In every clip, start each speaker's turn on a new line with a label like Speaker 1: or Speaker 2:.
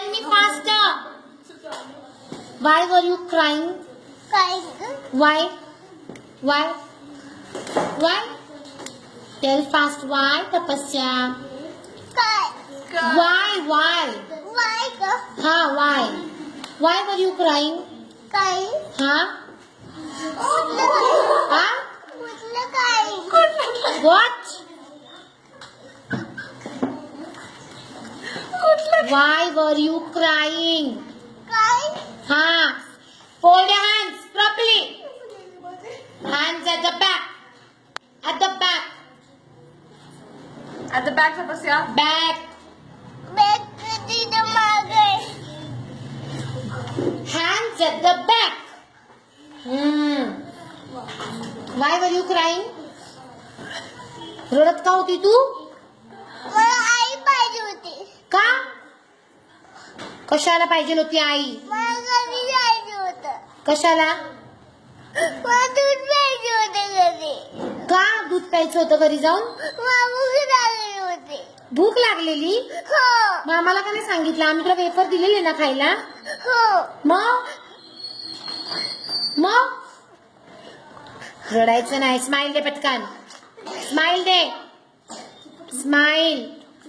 Speaker 1: Tell me faster. Why were you crying? Why? Why? Why? Tell fast. Why, Tapasya? Why? Why? Huh? Why? Why were you crying? Huh? Huh? What? Why were you crying? Huh? Fold your hands properly. Hands at the back. At the back.
Speaker 2: At the back, Tapasya.
Speaker 1: Back. Hands at the back. Why were you crying? रडत का होती तू? का? कशाला पाहिजे होती आई? कशाला? का दूध प्यायचं होतं घरी जाऊन? भूक लागलेली? मग आम्हाला का नाही सांगितलं? आम्ही तुला वेफर दिलेले ना खायला? मग रडायचं नाही. स्माइल दे पटकन. स्माइल दे. स्माइल.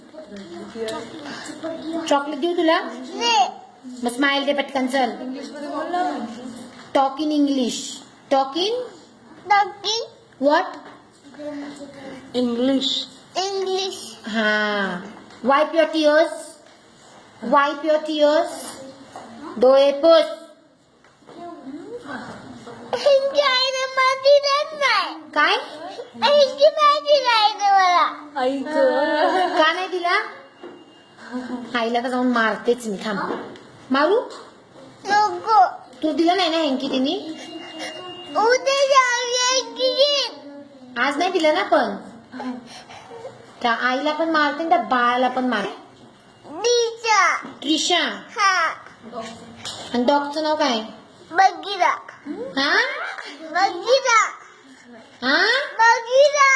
Speaker 1: चॉकलेट देऊ तुला? मग स्माइल दे पटकन. चल. Talk in English. Talk in what?
Speaker 2: English.
Speaker 1: हा. Wipe your tears. Wipe your tears. डोळे पुस. काय? का नाही दिला? आईला का जाऊन मारतेच मी. थांब. मारू? तू दिला नाही ना हँकी तिने? आज नाही दिलं ना. पण त्या आईला पण मारते त्या बाळाला पण मारते. ट्रिशा. आणि डॉगचं नाव काय? हा? हा?